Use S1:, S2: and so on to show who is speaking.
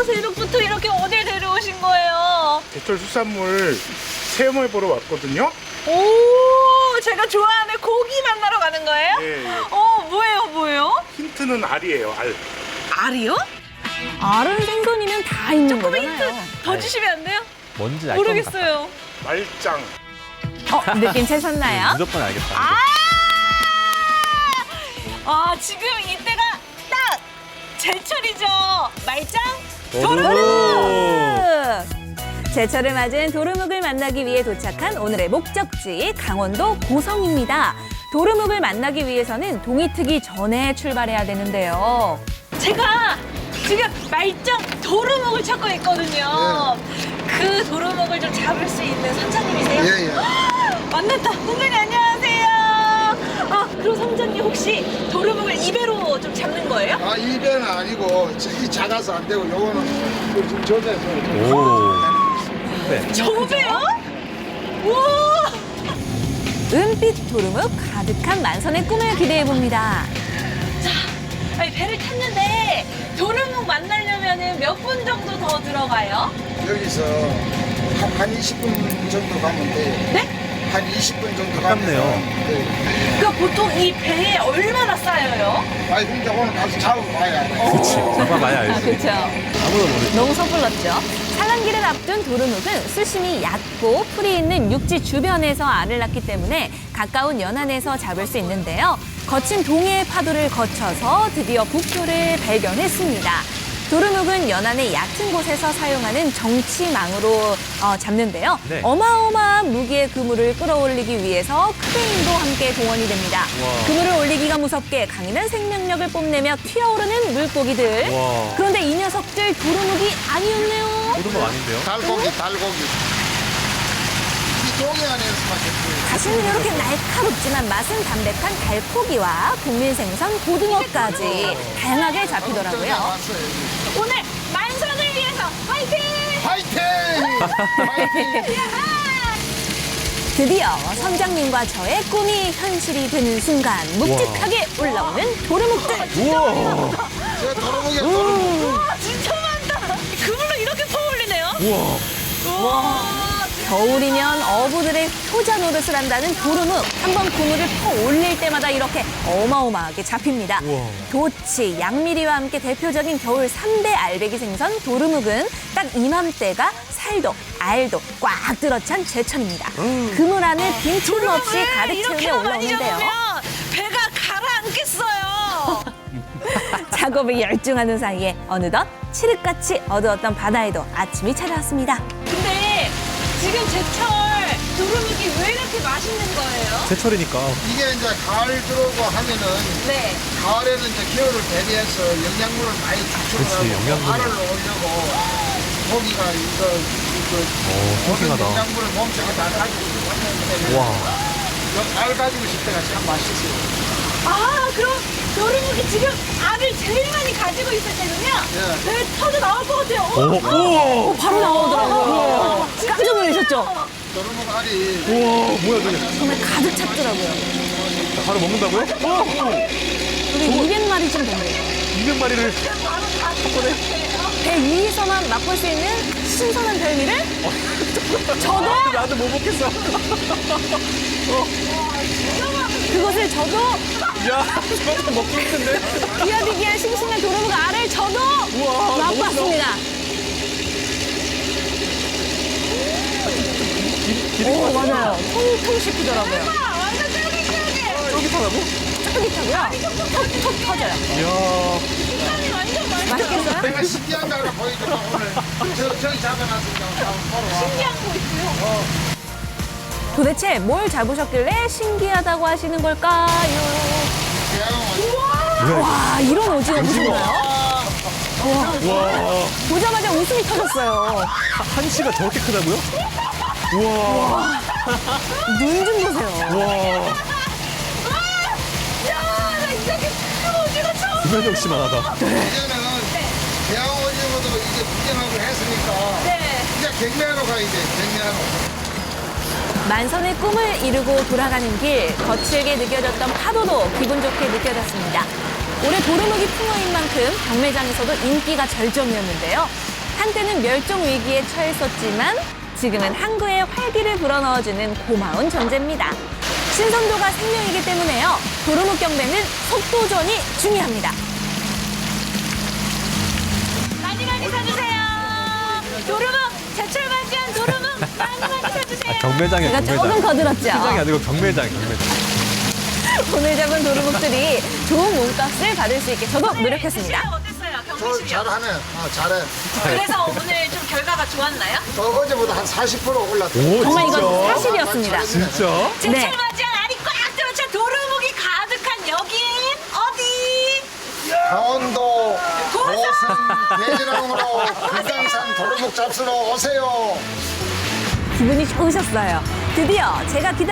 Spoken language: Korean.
S1: 새벽부터 이렇게 어딜 데려오신 거예요?
S2: 제철 수산물 체험을 보러 왔거든요.
S1: 오, 제가 좋아하는 고기 만나러 가는 거예요?
S2: 예, 예.
S1: 뭐예요?
S2: 힌트는 알이에요, 알.
S1: 알이요?
S3: 알은 생선이면 다 있는
S1: 조금 힌트
S3: 거잖아요.
S1: 더 주시면 안 돼요?
S4: 뭔지 알 것 같다.
S1: 모르겠어요.
S2: 말짱.
S3: 느낌 채셨나요?
S4: 무조건 알겠다.
S1: 지금 이때가 딱 제철이죠. 말짱,
S3: 제철을 맞은 도루묵을 만나기 위해 도착한 오늘의 목적지 강원도 고성입니다. 도루묵을 만나기 위해서는 동이 트기 전에 출발해야 되는데요.
S1: 제가 지금 말짱 도루묵을 찾고 있거든요. 그 도루묵을 좀 잡을 수 있는 선장님이세요?
S5: 예.
S1: 만났다. 선장님 안녕하세요. 그럼 선장님 혹시 도루묵을 입에로 좀 잡는 거예요?
S5: 이 배는 아니고 이 작아서 안 되고 요거는 지금 저배에서
S4: 오. 네.
S1: 저배요? 우와!
S3: 은빛 도루묵 가득한 만선의 꿈을 기대해봅니다.
S1: 아니, 배를 탔는데 도루묵 만나려면 몇 분 정도 더 들어가요?
S5: 여기서 한 20분 정도 가면 돼.
S1: 네?
S5: 한 20분 정도
S4: 가깝네요.
S5: 가면 돼.
S1: 그러니까 보통 이 배에 얼마나 쌓여요?
S5: 근데 오늘 가서 잡아봐야 돼.
S4: 그치. 잡아봐야 알지.
S3: 그렇죠.
S4: 아무도 모르지.
S3: 너무 섣불렀죠. 산란기를 앞둔 도루묵은 수심이 얕고 풀이 있는 육지 주변에서 알을 낳기 때문에 가까운 연안에서 잡을 수 있는데요. 거친 동해의 파도를 거쳐서 드디어 북표를 발견했습니다. 도루묵은 연안의 얕은 곳에서 사용하는 정치망으로 잡는데요.
S4: 네.
S3: 어마어마한 무게의 그물을 끌어올리기 위해서 크레인도 함께 동원이 됩니다.
S4: 우와.
S3: 그물을 올리기가 무섭게 강인한 생명력을 뽐내며 튀어오르는 물고기들.
S4: 우와.
S3: 그런데 이 녀석들 도루묵이 아니었네요.
S4: 모든 거 아닌데요?
S5: 달고기. 이 동해안에서만 잡혀요.
S3: 다시는 이렇게 날카롭지만 맛은 담백한 달코기와 국민 생선 고등어까지 다양하게 잡히더라고요.
S5: 왔어요.
S1: 오늘 만선을 위해서 화이팅!
S5: 화이팅!
S3: 드디어 선장님과 저의 꿈이 현실이 되는 순간 묵직하게 올라오는 도루묵들.
S4: 우와.
S5: 저 도루묵이야, 도루묵.
S1: 와, 진짜 많다. 그물로 이렇게 퍼올리네요.
S4: 우와.
S3: 겨울이면 어부들의 효자 노릇을 한다는 도루묵. 한번 그물을 퍼 올릴 때마다 이렇게 어마어마하게 잡힙니다.
S4: 우와.
S3: 도치, 양미리와 함께 대표적인 겨울 3대 알배기 생선 도루묵은 딱 이맘때가 살도, 알도 꽉 들어찬 제철입니다. 그물 안을 빈틈없이 가득 채우며
S1: 이렇게만 많이
S3: 올라오는데요.
S1: 잡으면 배가 가라앉겠어요.
S3: 작업에 열중하는 사이에 어느덧 칠흑같이 어두웠던 바다에도 아침이 찾아왔습니다.
S1: 근데 지금 제철 도루묵이 왜 이렇게 맛있는 거예요?
S4: 제철이니까.
S5: 이게 이제 가을 들어오고 하면은
S1: 네.
S5: 가을에는 이제 겨울을 대비해서 영양분을 많이
S4: 그치,
S5: 축적하고
S4: 영양분을.
S5: 알을 넣으려고 고기가 모든
S4: 싱싱하다.
S5: 영양분을 몸속에 다 가지고 있기 때문에
S4: 와.
S5: 알 가지고 있을 때가 참 맛있어요.
S1: 그럼 도루묵이 지금 알을 제일 많이 가지고 있을 때는요?
S5: 예.
S1: 배 터져 나올 것 같아요.
S4: 오.
S3: 바로 나오더라고요. 깜짝 놀라셨죠?
S5: 도루묵 알이
S4: 우와. 뭐야, 저게.
S3: 정말 가득 찼더라고요.
S4: 바로 먹는다고요?
S3: 여기 200마리쯤 된대요.
S4: 200마리를.
S3: 배 위에서만 맛볼 수 있는 신선한 별미를 저도
S4: 나도 못 먹겠어.
S3: 그것을 저도
S4: 야, 저거 먹고 있는데.
S3: 비어비기한 싱싱한 도루묵 알을 저도
S4: 우와,
S3: 맛봤습니다. 오, 맞아요. 통통 씹히더라고요.
S1: 완전 쫄깃쫄깃.
S4: 쫄깃하다고?
S3: 쫄깃하고요. 톡톡 터져요.
S4: 이야.
S1: 식감이 완전
S3: 맛있겠어요?
S5: 내가 신기한 거 하나 보여줄까 오늘 저기 잡아놨으니까 바로 와.
S1: 신기한 거 있고요.
S3: 도대체 뭘 잡으셨길래 신기하다고 하시는 걸까요?
S5: 대왕
S3: 와, 이런 오징어 보셨나요?
S4: 와.
S3: 보자마자 웃음이 터졌어요.
S4: 한치가 저렇게 크다고요? 우와.
S3: 눈 좀 보세요.
S4: 와.
S1: 야, 나 이렇게 큰 오징어 처음.
S4: 구면역 씨만하다.
S5: 이제는 대왕 오징어도 이제 구경하고 했으니까
S1: 네.
S5: 이제 경매하러 가야 돼. 경매하러.
S3: 만선의 꿈을 이루고 돌아가는 길, 거칠게 느껴졌던 파도도 기분 좋게 느껴졌습니다. 올해 도루묵이 풍어인 만큼 경매장에서도 인기가 절정이었는데요. 한때는 멸종 위기에 처했었지만 지금은 항구에 활기를 불어넣어주는 고마운 존재입니다. 신선도가 생명이기 때문에요. 도루묵 경배는 속도전이 중요합니다.
S1: 많이 사주세요. 도루묵 제철 맞이한 도루묵 많이 사주세요.
S4: 경매장이야,
S3: 제가
S4: 경매장.
S3: 조금 거들었죠.
S4: 시장이 아니고 경매장, 경매장.
S3: 오늘 잡은 도루묵들이 좋은 몸값을 받을 수 있게 저도 노력했습니다.
S1: 실력 어땠어요?
S5: 저
S1: 경비 실력.
S5: 잘하네. 잘해.
S1: 그래서 오늘 좀 결과가 좋았나요?
S5: 어제보다 한 40% 올랐다.
S4: 오,
S3: 정말
S4: 진짜?
S3: 이건 사실이었습니다.
S4: 진짜?
S1: 제철
S3: 네.
S1: 맞이한 알이 꽉 들어찬 도루묵이 가득한 여긴 어디?
S5: 강원도 고성 대지랑으로 금강산 도루묵 잡수러 오세요.
S3: 기분이 좋으셨어요. 드디어 제가 기다렸던